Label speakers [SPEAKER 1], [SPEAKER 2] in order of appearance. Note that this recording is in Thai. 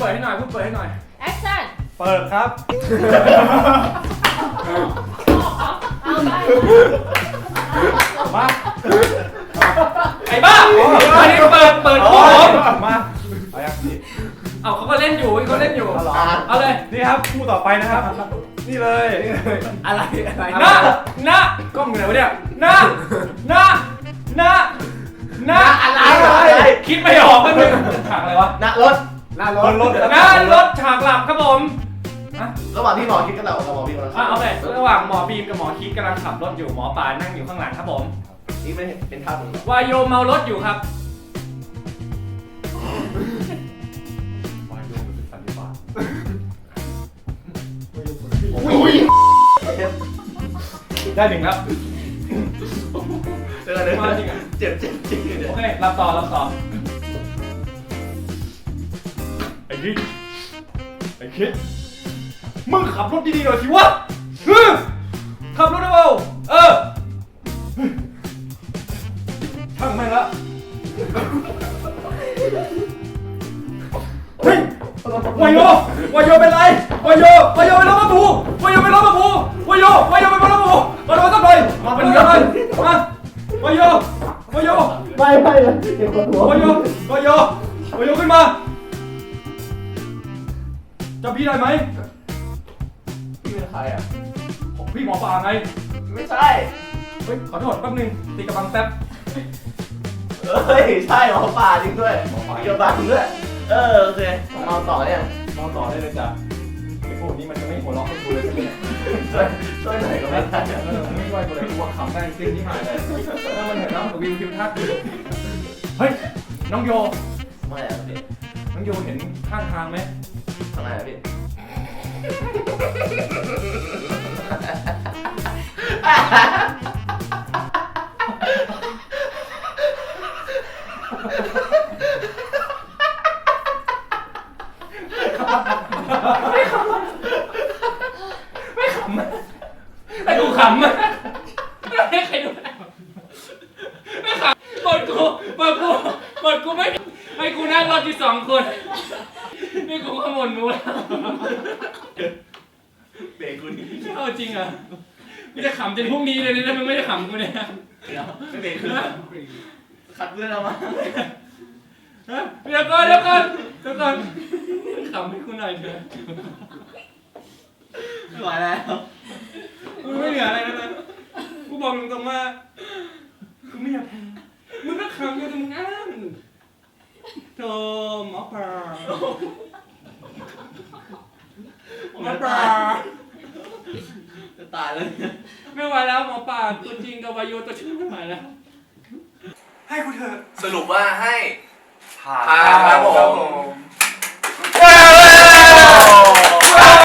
[SPEAKER 1] ปิดให้หน่อยพูดเปิดให้หน่อย
[SPEAKER 2] แอคชั่น
[SPEAKER 3] เปิดครับ
[SPEAKER 2] เอาไป
[SPEAKER 3] มา
[SPEAKER 1] ไอ้บ้าอันนี้เปิดคู่ผม
[SPEAKER 3] มาเอายังนี่
[SPEAKER 1] เอาเขาก็เล่นอยู่เขาเล่นอยู่เอาเลย
[SPEAKER 3] นี่ครับคู่ต่อไปนะครับนี่เลย
[SPEAKER 1] อะไรนะกล้องอยู่ไหนวะเนี่ยนะอะไรคิดไม่ออกมันเป็นฉากอะไรวะ
[SPEAKER 4] รถ
[SPEAKER 1] ฉากหลับครับผม
[SPEAKER 4] ระหว่างที่หมอคิดกับเราหมอบีมเรา
[SPEAKER 1] โอเคระหว่างหมอบีมกับหมอคิดกำลังขับรถอยู่หมอปานั่งอยู่ข้างหลังครับผม
[SPEAKER 4] นี่ไม่เป็นภาพมึง
[SPEAKER 1] วายโยเมารถอยู่ครับ
[SPEAKER 3] วายโยเป็นสันนิบาตได้หนึ่งครับ
[SPEAKER 4] เจอเลยเจ็บจริงเลย
[SPEAKER 1] โอเครับต่อ
[SPEAKER 3] ไอ้คิดมึงขับรถดีๆหน่อยสิวะ
[SPEAKER 1] ขับรถได้เปล่า
[SPEAKER 3] ช่างแม่งละเฮ้ยวายโยเป็นไรวายโยเป็นรถมาผูวายโยเป็นรถมาผูวายโยเป็นรถมาผูมาโดนสักหน่อยมาเป็นยังไงมาวายโย
[SPEAKER 4] ไม่เจ็บหัว
[SPEAKER 3] วายโยขึ้นมาจะพี่ได้ไหม
[SPEAKER 4] พี่เป็นใครอ่ะ
[SPEAKER 3] พี่หมอปลาไง
[SPEAKER 4] ไม่ใช่
[SPEAKER 3] เฮ้ยขอโทษแป๊บนึงตีกระบังแป๊บ
[SPEAKER 4] เฮ้ยใช่หมอปลาจริงด้วยกระบังด้วยโอเคเมาต่อเนี่ย
[SPEAKER 3] เมาต่อได้เลยจ้ะไอ้พวกนี้มันจะไม่หัวเราะให้กูเลยใช่ไหม
[SPEAKER 4] ช่วยหน่อยก็ไม่ได้
[SPEAKER 3] ไม่ช่วยกูเลยกูว่าขำได้จริงที่หายเลยแล้วมันเห็นน้องกับวิวทิวทัศน์เฮ้ยน้องโย
[SPEAKER 4] ไม่อะพี่
[SPEAKER 3] น้องโยเห็นข้างทางไหม
[SPEAKER 4] ทำไมอะพี่
[SPEAKER 1] ไอ้กูขำให้ใครดูไม่ขำหมดกูไม่ให้กูนั่งรถที่2 คนนี่กูก็หมดมูแล้ว
[SPEAKER 4] เบรกกูนี่
[SPEAKER 1] เอาจริงอ่ะกูจะขำจนพรุ่งนี้เลยนะมึงไม่ได้ขำกูเนี่ย
[SPEAKER 4] ไม่เบรกกูขัดเพื่อนเรามา
[SPEAKER 1] เดี๋ยวก่อนขำให้กูหน่อยเถอะ
[SPEAKER 4] ไม่ไหวแล้ว
[SPEAKER 1] กูไม่เหลืออะไรแล้วนะกูบอกตรงๆว่ากูไม่อยากแพ้มึงก็ขำอยู่แต่มึงอ้างโธ่หมอปลา
[SPEAKER 4] จะตายแล้ว
[SPEAKER 1] ไม่ไหวแล้วหมอปลาตัวจริงกับวายโยตัวชื่อไม่ไหวแล้ว
[SPEAKER 3] ให้กูเถอะ
[SPEAKER 4] สรุปว่าให้ผ่าน